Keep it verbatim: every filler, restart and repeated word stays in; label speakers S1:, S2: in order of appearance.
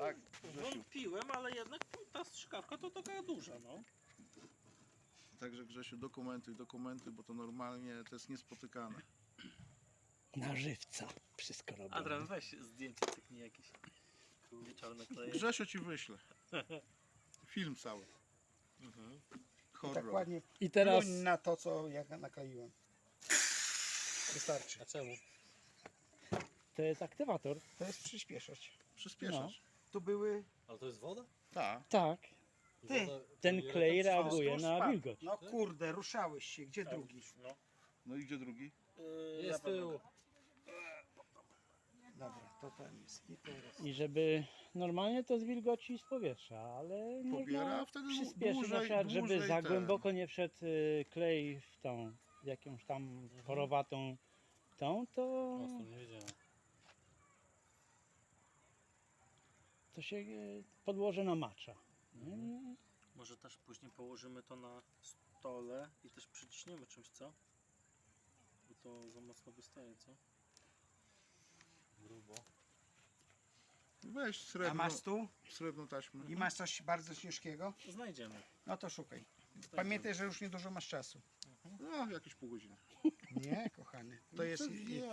S1: Tak, Grzesiu.
S2: Wątpiłem, ale jednak ta strzykawka to taka duża, no.
S1: Także Grzesiu, dokumentuj, dokumentuj, bo to normalnie to jest niespotykane.
S3: Na żywca wszystko robię.
S2: Adrian, weź zdjęcie tyknij jakieś. Kurde, czarne kleje.
S1: Grzesiu ci wyślę. Film cały.
S2: Mhm.
S1: Horror.
S4: Tak ładnie
S3: I teraz
S4: pluń na to, co ja nakleiłem. Wystarczy.
S2: A czemu?
S3: to jest aktywator.
S4: To jest przyspieszać.
S1: Przyspieszasz.
S4: Tu były...
S2: Ale to jest woda?
S1: Tak.
S3: Tak,
S4: Ty!
S3: ten klej reaguje
S4: Wzdłuż
S3: na
S4: spadł.
S3: wilgoć.
S4: No kurde, ruszałeś się. Gdzie drugi?
S2: No.
S1: No i gdzie drugi?
S2: Yy, jest tył.
S4: Dobra, to ten jest. I teraz.
S3: I żeby normalnie to z wilgoci z powietrza, ale
S1: Pobiera,
S3: można
S1: a wtedy
S3: przyspieszyć
S1: dłużej-
S3: na przykład, żeby
S1: dłużej
S3: za
S1: ten.
S3: głęboko nie wszedł y, klej w tą jakąś tam porowatą tą, to,
S2: nie wiedziałem.
S3: to się y, podłoże namacza. Nie?
S2: Może też później położymy to na stole i też przyciśniemy czymś, co? Bo to za mocno wystaje, co? Grubo.
S1: Weź
S4: A
S1: srebrną,
S4: masz tu?
S1: srebrną taśmę.
S4: I masz coś bardzo ciężkiego?
S2: Znajdziemy.
S4: No to szukaj. Pamiętaj, że już niedużo masz czasu.
S1: No, jakieś pół godziny.
S4: Nie, kochany. To jest...
S1: Nie.